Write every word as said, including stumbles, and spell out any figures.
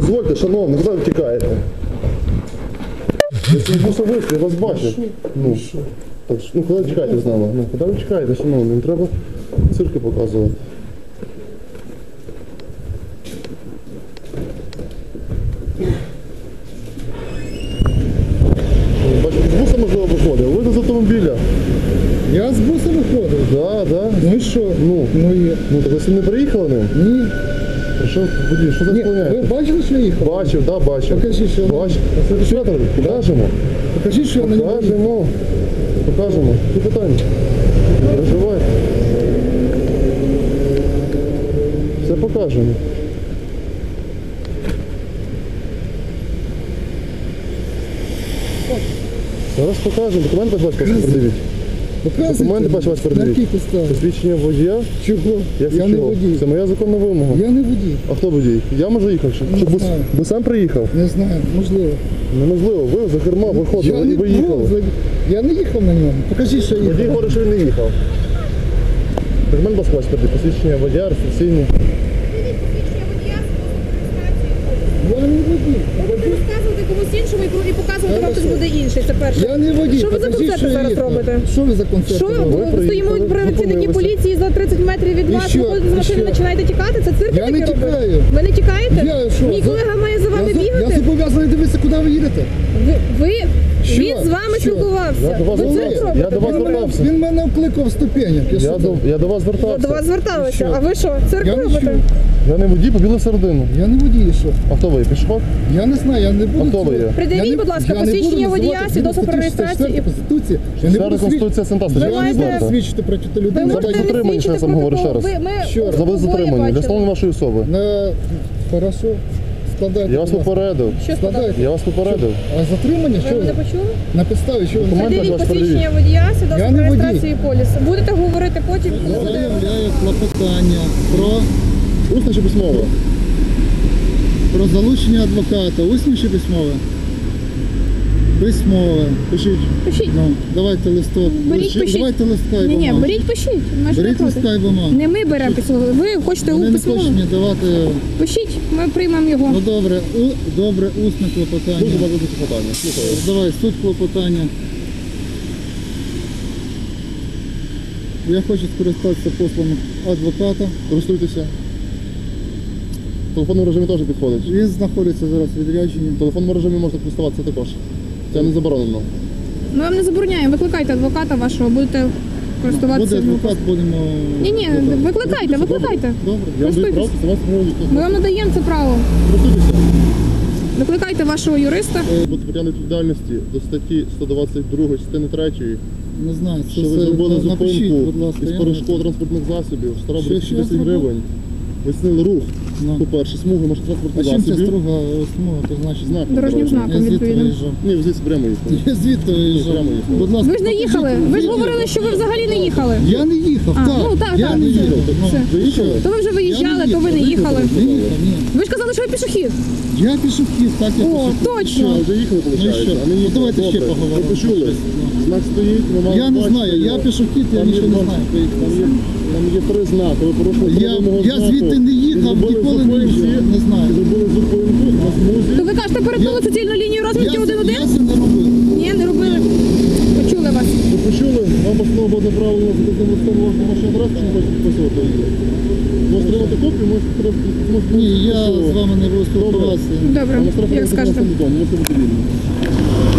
Дозвольте, шановний, куди ви втікаєте? Я це особисто, я вас бачив. Ну, так, ну куди ви чекаєте з нами? Ну, куди ви чекаєте, шановний? Не треба цирки показувати. Бачите, з буса, можливо, виходив. Ви з автомобіля. Я з буса виходив. Так, так. Ну і що? Ну, Ну і... ну так ви не приїхали ним? Ні. Що, водій, що Ні, ви заслоняєте? бачили, що я їхав? Бачив, так, да, бачив. Покажіть, що я Бачив. Що там? Покажемо. Покажіть, що я на нього їхав. Покажемо. Покажемо. Які питання? Не переживайте. Все покажемо. Зараз покажемо. Документи бачу, вас передивіть. Показуйте. Документи бачу, вас На передивіть. якій підставі? Посвідчення водія. Чого? Я, Я не чого? водій. Це моя законна вимога. Я не водій. А хто водій? Я може їхав? Чи, Не чи бус, знаю. бусем приїхав? Не знаю, можливо. Неможливо. Ви за керма Я виходили не, і ви їхали. ну, я не їхав на ньому. Покажіть, що я Водій їхав. говорить, що він не їхав. Документ вас бачите, посвідчення водія, реєстраційні. Я не водій. Ви будете розказувати комусь іншому і показувати вам хтось буде інший. Це перше. Я не водій. Що ви за Покажіть, концерти що я зараз їхав. робите? Що ви за концерти Що робите? ви приїхали, стоїмо працівники зупинилися. поліції за тридцять метрів від І вас, що? виходите з І машини, що? починаєте тікати? Це цирк Я не таке робить? тікаю. Ви не тікаєте? Я що? Мій за- колега має за вами я, за- Я бігати? зобов'язаний дивитися, куди ви їдете. Ви, ви Що? він з вами Що? спілкувався. Я до вас Ви цирк звертався. робите? Я до вас Ви робите? звертався. Він мене вкликав в ступенях. Я, Я що до, це? я до вас Я звертався. до вас зверталася. Що? А ви що, цирк Я не робите? чую. Я не водій, побіли середину. Я не водій, що? А хто ви? Пішохід? Я не знаю, я не буду... А хто ви цього- є? Придивіть, Я не- будь ласка, я не буду посвідчення називати водія, згідно свідоцтво про статті реєстрацію шістдесят і- Конституції. Я не Це буду свідчити. Конституція Сентаса. Я не маєте- буду свідчити проти Ви людини. Давайте можете затримання, що я відсвідчити сам говорю ще раз. протокол. Ви, ми Що? За ви обоє затримані. Для бачили. встановлення вашої особи. На... Хорошо. Складайте. Я вас будь ласка. попередив. Що сказати? Складайте. Я вас попередив. А затримання? Ви Що мене ви? почули? На підставі, що ви? Документи Придивіть ваш посвідчення передивіть. водія, Я свідоцтво не про водій. реєстрацію і поліс. Будете говорити потім, коли Я буде... заявляю клопотання про, Усне чи письмове? про залучення адвоката. Усне чи письмове? Письмове. Пишіть. Пишіть. Ну, давайте листок. Беріть, Лише- пишіть. Давайте листка і Ні, ні, бумагу. беріть, пишіть. Ми ж не Беріть проти. листка і бумагу. Не ми беремо письмово. Ви хочете у Вони не письмово? хочуть мені давати... Пишіть, ми приймемо його. Ну добре, у, добре, усне клопотання. Дуже багато питання. Слухаю. Давай, суть клопотання. Я хочу скористатися послугами адвоката. Користуйтеся. В телефонному режимі теж підходить. Він знаходиться зараз в відрядженні. В телефонному режимі можна користуватися також. Це не заборонено. Ми вам не забороняємо. Викликайте адвоката вашого, будете користуватися. Буде адвокат, будемо... Ні, ні, викликайте, викликайте. Добре. Я вам даю право Користуйтесь. користуватися правом. Ми вам надаємо це право. Користуйтеся. Викликайте вашого юриста. Бути притягнути відповідальності до статті сто двадцять два частини третьої, Не знаю, це що ви все зробили на- напишіть, зупинку будь ласка. із я перешкод транспортних засобів, штраф Що- що я десять зробив? гривень. Ви зняли рух, Ну. по-перше, смуги А машинотранспортних чим ця засобів. строга смуга, то значить? Знак Дорожнім дорожній. знаком. Я звідти відповідно. виїжджав. Ні, ви звідси прямо їхали. Я звідти виїжджав. прямо їхали. Будь ласка, Ви ж не покажіть їхали. Ви ж відео. говорили, що ви взагалі не їхали. Я не їхав, А, так. ну, так, я так, не все. їхав. Ну, Все. Ви їхали? То ви вже виїжджали, Я то ви не їхали. Не їхав, ні. Ви ж казали, що ви пішохід. Я пішохід, так я О, пішохід. точно. А, вже їхали, Ну і виходить. що? А не Ну, їхали. давайте ще Добре. поговоримо. Ви почули? Знак стоїть, ви мали Я не бачити знаю, я його. пішохід, я Там є нічого не два- знаю. Там є, там є три знаки. Ви порушили Я- три вимоги я знаку. звідти не їхав, І зробили ніколи не зупинку, їхав, не знаю. і зробили зупинку на смузі. То ви кажете, перетнули суцільну лінію Я, розмітки це- один-один? я це не робив. Ні, не робили. Почули вас. Ви почули? Вам постанова буде направлена за таким листом вашу вашу адресу, чи не хочете підписувати її? Можете отримати копію, можете треба- можете Ні, я підписувати. з вами не буду спілкуватися. Добре, Вам штраф як буде скажете. на телефон, можете бути вільні.